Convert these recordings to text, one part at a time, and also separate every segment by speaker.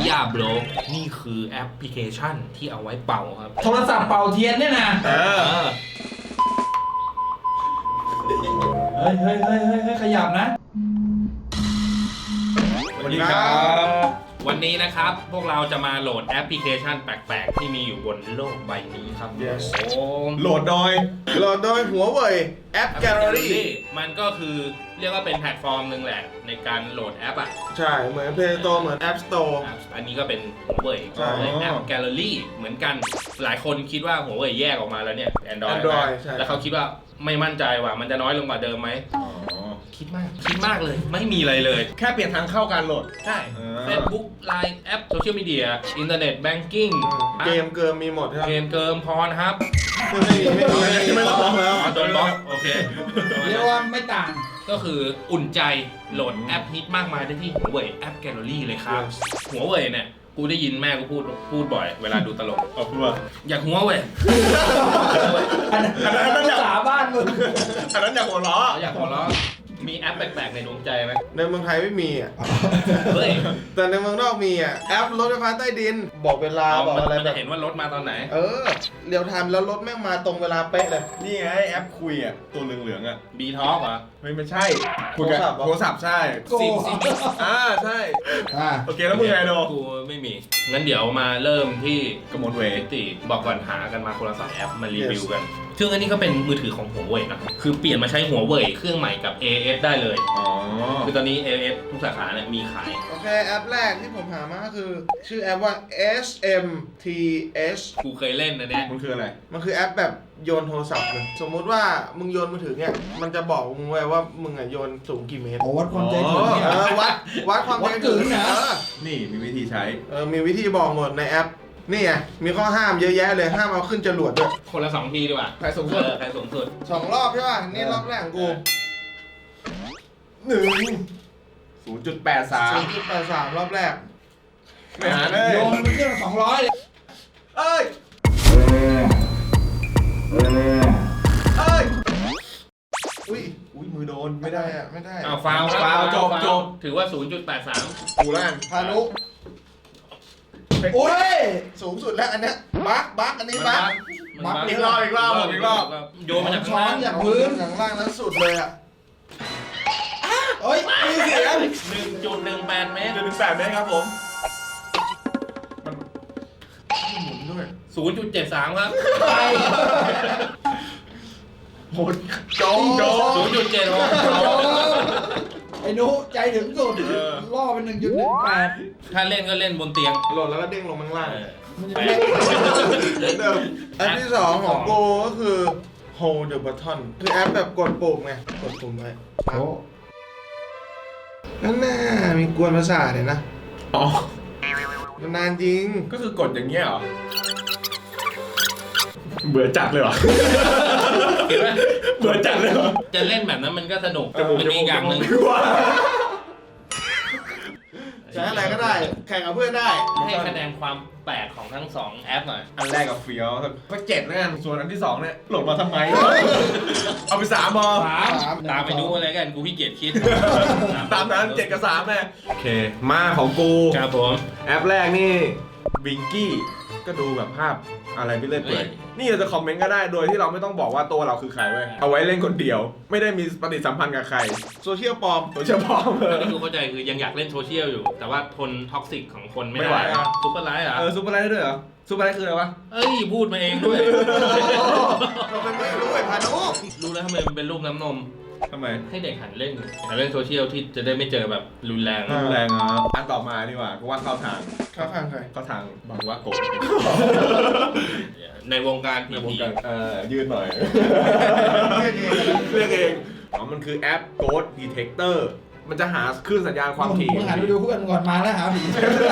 Speaker 1: าโบรกนี่คือแอปพลิเคชันที่เอาไว้เป่าครับ
Speaker 2: โทรศัพท์เป่าเทียนเนี่ยนะเฮ้ยขยับนะ
Speaker 1: สวัสดีครับ วันนี้นะครับพวกเราจะมาโหลดแอปพลิเคชันแปลกๆที่มีอยู่บนโลกใบนี้ครับ
Speaker 3: Yes
Speaker 1: โหลดโดย
Speaker 3: หัวเว่ยแอปแกลเลอรี่
Speaker 1: มันก็คือเรียกว่าเป็นแพลตฟอร์มหนึ่งแหละในการโหลดแอปอ่ะ
Speaker 3: ใช่เหมือน Play Store เหมือน App Store
Speaker 1: อันนี้ก็เป็นหัวเว่ย
Speaker 3: ใช่
Speaker 1: แอปแกลเลอรี่เหมือนกันหลายคนคิดว่าหัวเว่ยแยกออกมาแล้วเนี่ย Android
Speaker 3: ใช่
Speaker 1: แล้วเขาคิดว่าไม่มั่นใจว่ามันจะน้อยลงกว่าเดิมไหมคิดมากเลยไม่มีอะไรเลย
Speaker 3: แค่เปลี่ยนทางเข้าการโหลด
Speaker 1: ใช่ Facebook Line แอปโซเชียลมีเดียอินเทอร์เน็ตแบงกิ้ง
Speaker 3: เกมเกิมมีหมดใช่ไหม
Speaker 1: เกมเกิมพรครับ
Speaker 3: ไม่รับแล้ว
Speaker 1: โดนบล็อกโอเค
Speaker 2: เรียกว่าไม่ต่าง
Speaker 1: ก็คืออุ่นใจโหลดแอปฮิตมากมายได้ที่หัวเว่ยแอปแกลเลอรี่เลยครับ หัวเว่ยเนี่ยกูได้ยินแม่กูพูดบ่อยเวลาดูตลก
Speaker 3: พูดว่า
Speaker 1: อยากหัวเว่ย
Speaker 2: อันนั้นภาษาบ้านมึง
Speaker 3: อันนั้นอยากหัวเราะ
Speaker 1: อยากหัวเราะมีแอปแปลกๆในดวงใจไหม
Speaker 3: ในเมืองไทยไม่มีอ่ะ
Speaker 1: เฮ้ย
Speaker 3: แต่ในเมืองนอกมีอ่ะ แอปรถไฟฟ้าใต้ดิน บอกเวลาบอกอะไร
Speaker 1: มัน
Speaker 3: แบ
Speaker 1: จะ
Speaker 3: บ
Speaker 1: เห็นว่ารถมาตอนไหน
Speaker 3: เรียวไทม์แล้วรถแม่งมาตรงเวลาเป๊ะเลย
Speaker 4: นี่ไงแอปคุยอ่ะตัวเหลืองๆอ่ะ
Speaker 1: บีท็อกเหรอ
Speaker 4: ไม่ใช่คุยกับโทรศัพท์ใช่
Speaker 1: ซิม
Speaker 4: ใช่
Speaker 2: อ่า
Speaker 4: โอเคแล้วมึงไงโด
Speaker 1: กูไม่มี งั้นเดี๋ยวมาเริ่มที่
Speaker 4: กระมวลเวท
Speaker 1: ติบอกก่อนหากันมาคนละ2แอปมารีวิวกัน ซึ่งอันนี้ก็เป็นมือถือของหัวเว่ยนะคือเปลี่ยนมาใช้หัวเว่ยเครื่องใหม่กับ AS ได้เลย
Speaker 4: อ๋อ
Speaker 1: คือตอนนี้ AS ทุกสาขาเนี่ยมีขาย
Speaker 3: โอเคแอปแรกที่ผมหามาก็คือ ชื่อแอปว่า SMTH
Speaker 1: กูเคยเล่นนะเนี่ย
Speaker 4: มันคืออะไร
Speaker 3: มันคือแอปแบบโยนโทรศัพท์เลย สมมุติว่ามึงโยนมือถือเนี่ย มันจะบอกมึงไว้ว่ามึงอ่ะโยนสูงกี่เมตร
Speaker 2: โอ้วัดความใจถึงเนี่ย
Speaker 3: วัดความ
Speaker 2: วัดกึ่งนะ
Speaker 4: นี่มีวิธีใช้
Speaker 3: มีวิธีบอกหมดในแอป นี่ไง มีข้อห้ามเยอะแยะเลย ห้ามเอาขึ้นจรวดด้วย
Speaker 1: คนละ2ทีดีกว่า
Speaker 3: ใครสูงสุด
Speaker 1: ใครสูงสุด
Speaker 3: 2 รอบใช่ป่ะ นี่รอบแรกของกู
Speaker 4: 0.83
Speaker 3: 0.83 รอบแรก
Speaker 4: ไม่หาเลย
Speaker 2: โยนมันเครื่อง200เลย
Speaker 4: เอ้ยอุ้ยมือโดนไม่ได้
Speaker 3: ไม่ได้
Speaker 1: อ้าวฟาวครับ
Speaker 4: ฟาวจบ
Speaker 1: ถือว่า 0.83
Speaker 3: กูแล้วกันพานุ
Speaker 2: โอ้ย
Speaker 3: สูงสุดแล้วอันเนี้ยบักอันนี้บัก
Speaker 1: มัน
Speaker 4: อีกรอบ
Speaker 1: โยนมาจาก
Speaker 2: ช้
Speaker 1: ข้าง
Speaker 2: อน
Speaker 1: ล่าง
Speaker 2: จากพื้น
Speaker 3: ข้างล่างนั้นสุดเลยอ่ะ
Speaker 2: เอ้ยมีเสียง
Speaker 1: 1.18 เมตร
Speaker 4: 1.8 เมตรครับผม
Speaker 3: หมุนด้วย
Speaker 1: 0.73 ครับ
Speaker 2: ไป
Speaker 3: หมุน
Speaker 4: โจ๊ก
Speaker 2: ไอ้นุใจถึงสุดล่อเป็น 1.18
Speaker 1: ถ้าเล่นก็เล่นบนเตียง
Speaker 3: โหลดแล้วก็เด้งลงข้างล่าง
Speaker 2: มันจะ
Speaker 1: แป
Speaker 2: ไม่
Speaker 3: เหมือนเดิมแอปที่ 2 ของกูก็คือ Hold the button คือแอปแบบกดปุ่มไง กดปุ่มไว้
Speaker 2: โอ้
Speaker 3: นั่นน่ะมีกวนประสาทเลยนะ
Speaker 4: อ๋อ
Speaker 3: มันนานจริง
Speaker 4: ก็คือกดอย่างเงี้ยเหรอ เบื่อจัดเลยเหรอ
Speaker 1: เห็นไหม
Speaker 4: เบื่อจัดเลยเหรอ
Speaker 1: จะเล่นแบบนั้นมันก็สนุกมันมีอีกอย่างหนึ่ง
Speaker 3: ใช้อะไรก็ได้ แข่งกับเพื่อนได้
Speaker 1: ให้คะแนนความแปลกของทั้ง2แอปหน่อย
Speaker 4: อันแรกกับเฟี้ยวก็7แล้วกันส่วนอันที่2เนี่ยโหลดมาทำไม เอาไป3มอ
Speaker 1: ตามไปดูอะไรกันกูขี้เกียจคิด
Speaker 4: ตามนั้น7กับ3แม่โอเค มาของกู
Speaker 1: ครับผม
Speaker 4: แอปแรกนี่บิงกี้ก็ดูแบบภาพอะไรไปเรื่อยเปื่อยนี่เราจะคอมเมนต์ก็ได้โดยที่เราไม่ต้องบอกว่าตัวเราคือใครเว้ยเอาไว้เล่นคนเดียว ไม่ได้มีปฏิสัมพันธ์กับใคร
Speaker 3: โซเชียลปลอม
Speaker 4: โดยเฉพาะ
Speaker 1: ที่กูเข้าใจคือยังอยากเล่นโซเชียลอยู่ แต่ว่าทนท็อกซิกของคนไม่
Speaker 4: ไม่ไหว
Speaker 1: ได้
Speaker 4: อ่ะ
Speaker 1: ซุปเปอร์ไลท์เหรอ
Speaker 4: ซูเปอร์ไลท์ได้ด้วยเหรอซูเปอร์ไลท์คืออะไรวะ
Speaker 1: เอ้ยพูดมาเองด้วย
Speaker 3: เราเป็นไม่รู้ไอ้พานุ
Speaker 1: รู้แล้วทำไมมันเป็นรูปน้ำนม
Speaker 4: ทำไม
Speaker 1: ให้เด็กหันเล่นโซเชียลที่จะได้ไม่เจอแบบรุนแรง
Speaker 4: แรงอ่ะอันต่อมาดีกว่าก็ว่าเข้าทาง
Speaker 3: เข้าข้างใคร
Speaker 4: เข้าทางบางว่าโกะ
Speaker 1: ในวงการ
Speaker 4: ใน
Speaker 1: ผี
Speaker 4: วงการยืดหน่อย
Speaker 3: เรียกเอง
Speaker 4: เรียกเองอ๋อมันคือแอป Ghost Detector มันจะหาคลื่นสัญญาณความถี่
Speaker 2: มึงหันไปดูเพื่อนก่อนมาแล้วหาผี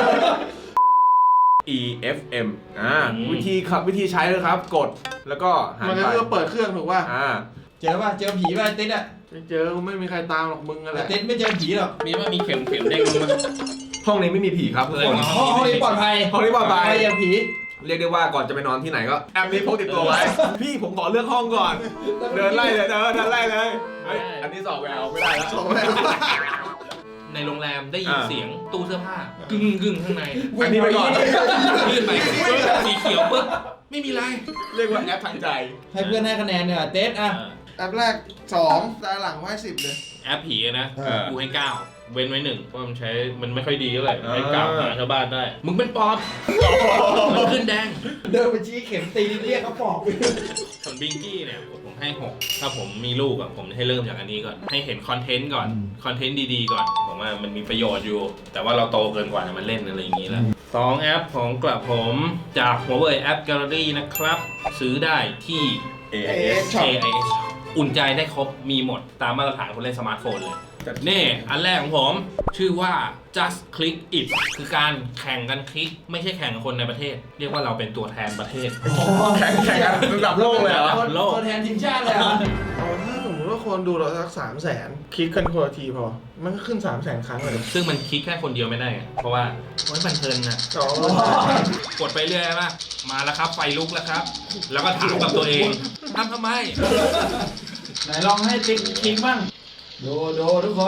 Speaker 4: EFM วิธีใช้เลยครับ กดแล้วก็หัน
Speaker 3: มันก็
Speaker 4: ไป
Speaker 3: คือเปิดเครื่องถูกป่ะ
Speaker 2: เจอป่ะเจอผีป่ะไอ้ติ๊ดอ่ะ
Speaker 3: ไม่เจอไม่มีใครตามหรอกมึงอะไร
Speaker 2: ไอ้ติ๊ดไม่เจอผีหรอก
Speaker 1: มีว่ามีเข็มเด้งลงมา
Speaker 4: ห้องนี้ไม่มีผีครับทุกคน
Speaker 2: ห้องนี้ปลอดภัย
Speaker 4: ห้องนี้ปลอดภัย
Speaker 2: ไม่เจอผี
Speaker 4: เรียกได้ว่าก่อนจะไปนอนที่ไหนก็แอปนี้พกติดตัวไว้ พี่ผมขอเลือกห้องก่อน เดินไล่เลยเดินไล่เลยเฮ้ยอันนี้สอบแววไม่ได้แล้ว
Speaker 3: ส่งแล้ว
Speaker 1: ในในโรงแรมได้ยินเสียงตู้เสื้อผ้ากึ่งข้างใน
Speaker 4: อันนี้ไปก่อน
Speaker 1: ยื่นไปสีเขียวปึ๊บไม่มีไร
Speaker 4: เรียกว่าแอปทางใจ
Speaker 2: ให้เพื่อนให้คะแนนเนี่ยเต๊ดอ่ะ
Speaker 3: แอปแรก2ตาหลังให้10เลย
Speaker 1: แอปผีนะ
Speaker 4: เออ
Speaker 1: กูให้9เว้นไว้1เพราะมันใช้มันไม่ค่อยดีเท่าไหร่
Speaker 4: อ่า
Speaker 1: ให้9หาชาวบ้านได้ มึงเป็นปอบมันขึ้นแดง
Speaker 2: เดินไปชี้เข็มตีเรียกเขาปอก
Speaker 1: ส่วนบิงกี้เนี่ยผมให้6ถ้าผมมีลูกอ่ะผมให้เริ่มจากอันนี้ก่อนให้เห็นคอนเทนต์ก่อนคอนเทนต์ดีๆก่อนผมว่ามันมีประโยชน์อยู่ แต่ว่าเราโตเกินกว่าจะมันเล่นอะไรอย่างนี้แล้ว2แอปของกระผมจากหัวเว่ยแอปแกลเลอรี่นะครับซื้อได้ที่
Speaker 3: AIS Shop
Speaker 1: AIS อุ่นใจได้ครบมีหมดตามมาตรฐานคนเล่นสมาร์ทโฟนเลยนี่อันแรกของผมชื่อว่า just click it คือการแข่งกันคลิกไม่ใช่แข่งกับคนในประเทศ เรียกว่าเราเป็นตัวแทนประเทศ
Speaker 4: แข่งกันระดับโลกเลยเหรอ
Speaker 1: โลก
Speaker 2: ตัวแทนทีมชาติเลยอ่ะ
Speaker 3: ถ้าสมมติว่าคนดูเราสัก300,000คลิกกันคนละทีพอ มันก็ขึ้น300,000 ครั้งเลย
Speaker 1: ซึ่งมันคลิกแค่คนเดียวไม่ได้ไงเพราะว่าโอ้ยมันเพลินนะ
Speaker 3: อ๋อ
Speaker 1: กดไปเรื่อยป่ะมาแล้วครับไฟลุกแล้วครับ แล้วก็ถามกับตัวเองทำไม
Speaker 2: ไหนลองให้ติ๊กคลิกบ้างดูทุกคน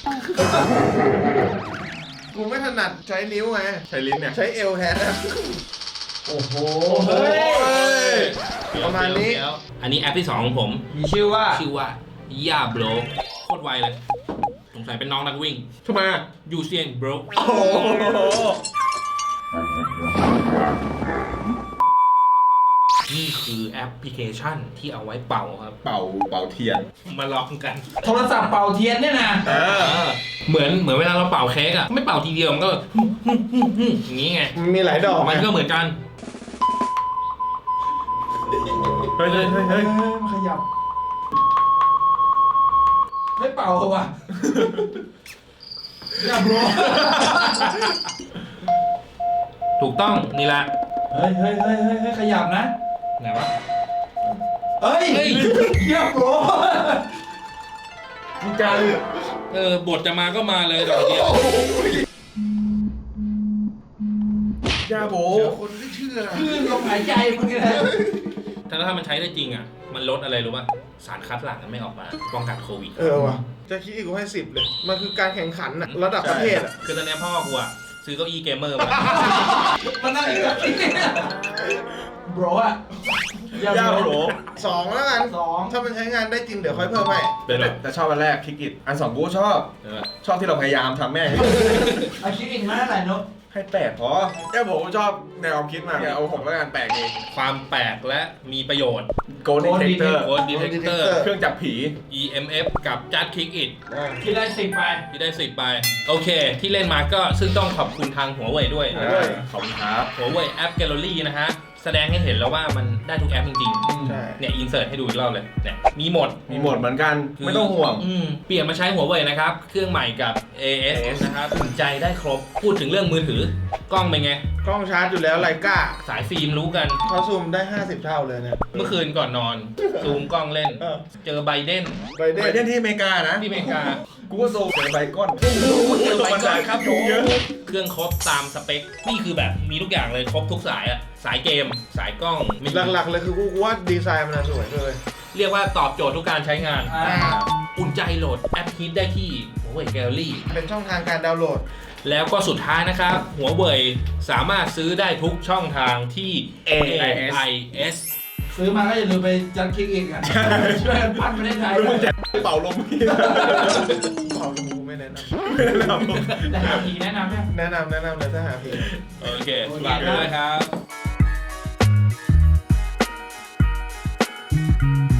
Speaker 3: กูไม่ถนัดใช้นิ้วไง
Speaker 4: ใช้ลิ้นเนี่ย
Speaker 3: ใช้เอลแทนนะ
Speaker 2: โอ้โห
Speaker 3: เฮ้ย
Speaker 1: เดี๋ยว
Speaker 3: ประมาณนี้
Speaker 1: เดี๋ยวอันนี้แอปที่ 2 ของผม
Speaker 2: มีชื่อว่า
Speaker 1: ชื่อว่าย่าโบรโคตรไวเลยสงสัยเป็นน้องนักวิ่ง
Speaker 4: ทำไมอ่ะ
Speaker 1: ยูเซียนโบร
Speaker 4: โอ้โห
Speaker 1: นี่คือแอปพลิเคชันที่เอาไว้เป่าครับ
Speaker 4: เป่าเทียน
Speaker 1: มาลองกัน
Speaker 2: โทรศัพท์เป่าเทียนเนี่ยนะ
Speaker 1: เหมือนเวลาเราเป่าเค้กอะไม่เป่าทีเดียวมันก็อย่างนี้ไง
Speaker 3: มันมีหลายดอก
Speaker 1: มันก็
Speaker 3: ไง
Speaker 1: เหมือนกัน
Speaker 4: เฮ้ย
Speaker 2: มันขยับ ไม่เป่าว่ะอย่าโบร
Speaker 1: ถูกต้องนี่แหละ
Speaker 2: เฮ้ยขยับนะ
Speaker 1: ไหนวะ
Speaker 2: เฮ้ย
Speaker 1: เฮ้ย
Speaker 2: อย่าโบร
Speaker 4: จริงจัง
Speaker 1: บทจะมาก็มาเลยดอกเดียว
Speaker 4: ยาโบ
Speaker 3: คนไม่เชื่อ
Speaker 2: คลื่นลมหายใจมึงเลย
Speaker 1: ถ้ามันใช้ได้จริงอะมันลดอะไรรู้ป่ะสารคัดหลั่งมันไม่ออกมาป้องกันโควิด
Speaker 3: ว่ะ จะคิดอีกกูให้10เลย มันคือการแข่งขันอะระดับประเทศอะ
Speaker 1: คือตอนนี้พ่อกูอะซื้อเก้าอี้เกมเมอร์มา
Speaker 2: มันนั่งอีกแล้วโบรอ่ะ
Speaker 4: ยาโบ
Speaker 3: 2แล้วกัน
Speaker 2: 2
Speaker 3: ถ้ามันใช้งานได้จริงเดี๋ยวค่อยเพิ่มให้
Speaker 1: เป็นไร
Speaker 4: แต่ชอบอันแรกคลิกอิทอัน2กูก็ชอบ ชอบที่เราพยายามทำแม่ง
Speaker 2: อาคิดอีกมาเท่าไหร่นุ๊ก
Speaker 4: ให้8พอยาโบชอบแนวความคิดมากเอา6แล้วกันแปลกเอง
Speaker 1: ความแปลกและมีประโยชน์
Speaker 4: Gold Detector
Speaker 1: โค้ดดีเทคเตอร์
Speaker 4: เครื่องจับผี
Speaker 1: EMF กับ Just Click It
Speaker 2: คิดได้10ไป
Speaker 1: ที่ได้10ไปโอเค ที่เล่นมาก็ซึ่งต้องขอบคุณทางหัวเว่ยด้วย
Speaker 4: ขอบคุณครับ
Speaker 1: หัวเว่ยแอปแกลเลอรี่นะฮะ แสดงให้เห็นแล้วว่ามันได้ทุกแอปจริง
Speaker 3: ใช่
Speaker 1: ๆ เนี่ยอินเสิร์ตให้ดูอีกรอบเลยเนี่ยมีหมด
Speaker 4: มีหมดเหมือนกัน ไม่ต้องห่วง
Speaker 1: เปลี่ยนมาใช้หัวเว่ยนะครับ เครื่องใหม่กับ AS นะครับอุ่นใจได้ครบ พูดถึงเรื่องมือถือกล้องเป็นไง
Speaker 3: กล้องชาร์จอยู่แล้วไลกา
Speaker 1: สายฟิล์มรู้กัน
Speaker 3: เขาซูมได้50 เท่าเลยเนี่ย
Speaker 1: เมื่อคืนก่อนนอน ซูมกล้องเล่น เจอไบเดน
Speaker 3: ไบเด
Speaker 4: ไป
Speaker 3: น
Speaker 4: เล่นที่อเมริกานะ
Speaker 1: ที่อเมริกา
Speaker 4: กูก็โซเจอใบก้อน
Speaker 1: เจอไบเดนครับ
Speaker 4: ยุงเยอะ
Speaker 1: เครื่องครบตามสเปค นี่คือแบบมีทุกอย่างเลยครบทุกสายอะสายเกม สายกล้องมี
Speaker 3: หลักๆเลยคือกูว่าดีไซน์มันสวยเลย
Speaker 1: เรียกว่าตอบโจทย์ทุกการใช้งาน
Speaker 2: อ่า
Speaker 1: อุ่นใจโหลดแอปฮิตได้ที่หัวเว่ยแกลเลอรี่
Speaker 3: เป็นช่องทางการดาวน์โหลด
Speaker 1: แล้วก็สุดท้ายนะครับ หัวเว่ยสามารถซื้อได้ทุกช่องทางที่ AIS
Speaker 2: ซื้อมาก็อย่าลืมไปจัดคลิกอีกอ่ะช่วยกันปั้นประเทศไทย
Speaker 4: มึงจะเป่าลมพี่
Speaker 3: ของกูไม่แนะน
Speaker 2: แต่หาผีแนะนำไหม
Speaker 3: ำแนะนำเลยถ้าหาเพลง
Speaker 1: โอเคฝากด้วยครับ